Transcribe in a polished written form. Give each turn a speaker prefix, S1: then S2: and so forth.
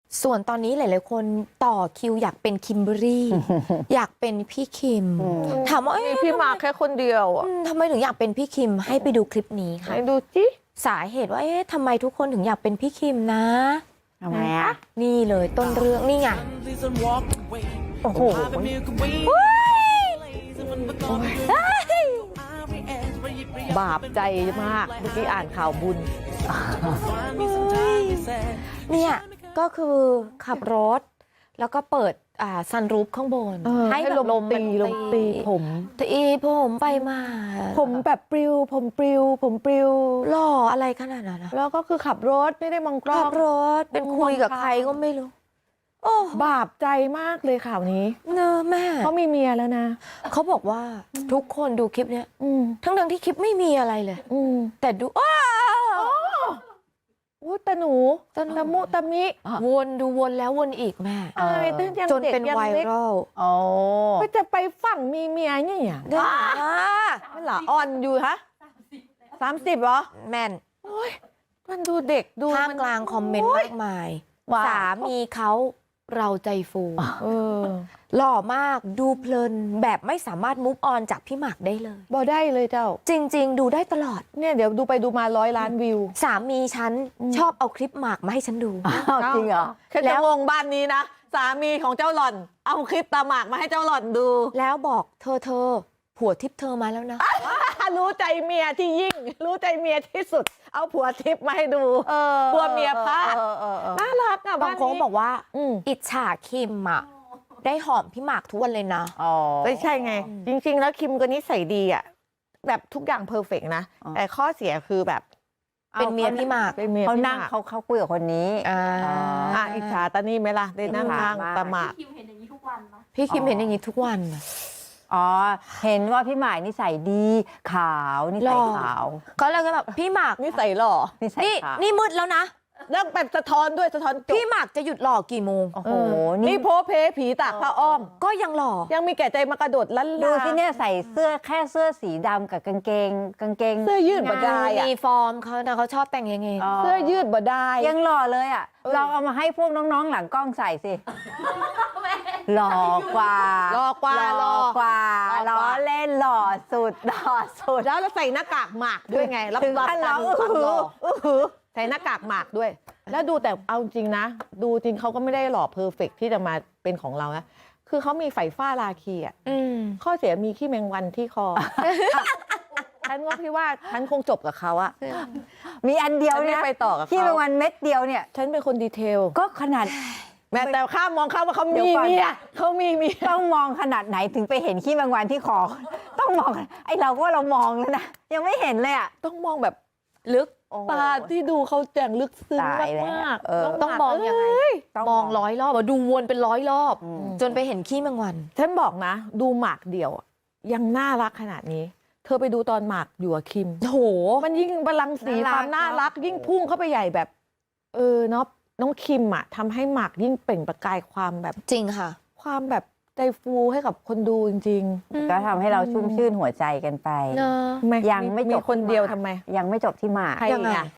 S1: ส่วนตอนนี้หลายๆคนต่อคิวอยากเป็นคิมเบอรรี่ อยากเป็นพี่คิมถามว่า
S2: มีพี่หมากแค่คนเดียวอ่ะ
S1: ทำไมถึงอยากเป็นพี่คิมให้ไปดูคลิปนี้ค่ะ
S2: ให้ดูจิ
S1: สาเหตุว่าทำไมทุกคนถึงอยากเป็นพี่คิมนะ
S3: ทำไมอ่ะ
S1: นี่เลยต้นเรื่องนี่ไง
S2: โอ้โหบาปใจมากเมื่อกี้อ่านข่าวบุญ
S1: เนี่ยก็คือขับรถแล้วก็เปิดซันรูฟข้างบน
S2: ให้ลมตีผม
S1: ไปมา
S2: ผมแบบปลิวผมปลิว
S1: หล่ออะไรขนาดนั้นนะ
S2: แล้วก็คือขับรถไม่ได้มองกล้อง
S1: ขับรถเป็นคุยกับใครก็ไม่รู้โอ้
S2: บาปใจมากเลยข่าวนี้
S1: เนอะแม่
S2: เขามีเมียแล้วนะ
S1: เขาบอกว่าทุกคนดูคลิปเนี้ยทั้งที่คลิปไม่มีอะไรเลยแต่ดู
S2: ตะหนูตะมุตะมิ
S1: วนดูวนแล้ววนอีกแม่จนเป็นไวรัล
S2: ก็จะไปฝั่งมีเมียเนี่ยไม่หรออ่อนอยู่ฮะ30เหรอ
S1: แม่น
S2: มันดูเด็กดู
S1: ท่ามกลางคอมเมนต์มากมายสามีเขาเราใจฟูหล่อมากดูเพลินแบบไม่สามารถมุฟออนจากพี่หมากได้เลย
S2: บ่ได้เลยเจ้า
S1: จริงๆดูได้ตลอด
S2: เนี่ยเดี๋ยวดูไปดูมา100 ล้านวิว
S1: สามีฉันชอบเอาคลิปหมากมาให้ฉันดู
S2: จริงเหรอแล้วงงบ้านนี้นะสามีของเจ้าหล่อนเอาคลิปตาหมากมาให้เจ้าหล่อนดู
S1: แล้วบอกเธอผัวทิพย์เธอมาแล้วนะ
S2: รู้ใจเมียที่ยิ่งรู้ใจเมียที่สุดเอาผัวทิพย์มาให้ดูกลัวเมียพลาดน่ารักอ่ะ
S1: บางคนบอกว่าอิจฉาคิมอ่ะได้หอมพี่หมากทุกวันเลยนะ
S2: ไม่ใช่ไงจริงๆแล้วคิมก็นิสัยดีอ่ะแบบทุกอย่างเพอร์เฟกต์นะแต่ข้อเสียคือแบบ
S1: เป็นเมียพี่หมาก
S3: เขานั่งเขาคุยกับคนนี้
S2: อิจฉาตานี่ไหมล่ะได้นั่งข้างตาหมาก
S1: พี่คิมเห็นอย่างนี้ทุกวัน
S3: เห็นว่าพี่หมากนิสัยดีขาวนิสัยขาว
S1: ก็เลยแบบพี่หมาก
S2: นิสัยหล่อ
S1: นี่มืดแล้วนะ
S2: เรื่องแบบสะท้อนด้วยสะท้อน
S1: พี่หมากจะหยุดหล่อกี่โมง
S3: โอ้โห
S2: นี่โพเพผีตากผ้าอ้อม
S1: ก็ยังหล่อ
S2: ยังมีแก่ใจมากระโดดลั่น
S3: ดูที่เนี่ยใส่เสื้อแค่เสื้อสีดำกับกางเกง
S2: เสื้อยืดบ่ได้
S1: มีฟอร์มเขาชอบแต่งยังไง
S2: เสื้อยืดบ่ได้
S3: ยังหล่อเลยอ่ะเราเอามาให้พวกน้องๆหลังกล้องใส่สิหล่อกว่าล้อเล่นหล่อสุด
S2: แล้วใส่หน้ากากหมากด้วยไงรับรองความหล่อใส่หน้ากากหมากด้วยแล้วดูแต่เอาจริงนะดูจริงเขาก็ไม่ได้หล่อเพอร์เฟกที่จะมาเป็นของเรานะคือเขามีไฝฟ้าราคีอ่ะข้อเสียมีขี้แมงวันที่คอฉันว่าพี่ว่าฉันคงจบกับเขาอะ
S3: มีอันเดียวเนี่ย
S2: ไปต่อกับเขา
S3: ขี้แมงวันเม็ดเดียวเนี่ย
S2: ฉันเป็นคนดีเทล
S3: ก็ขนาด
S2: แม้แต่ข้ามมองเขาว่าเขามีเมีย
S3: ต้องมองขนาดไหนถึงไปเห็นขี้แมงวันที่คอต้องมองไอเราก็เรามองแล้วนะยังไม่เห็นเลยอะ
S2: ต้องมองแบบลึกตาที่ดูเขาแจ่งลึกซึ้งมาก
S1: ต้องมองยังไงมอง100 รอบดูวนเป็น100 รอบจนไปเห็นขี้แมงวัน
S2: ฉันบอกนะดูหมากเดี่ยวยังน่ารักขนาดนี้เธอไปดูตอนหมากอยู่กับคิม
S1: โห
S2: มันยิ่งบาลังก์สีความน่ารักยิ่งพุ่งเข้าไปใหญ่แบบเนาะน้องคิมอะทำให้หมากยิ่งเปล่งประกายความแบบ
S1: จริงค่ะ
S2: ความแบบใจฟูให้กับคนดูจริง
S3: ๆก็ทำให้เราชุ่มชื่นหัวใจกันไป
S2: ยังไม่จบ
S3: คนเดียวทำไมยังไม่จบที่หมาก
S2: ยังไง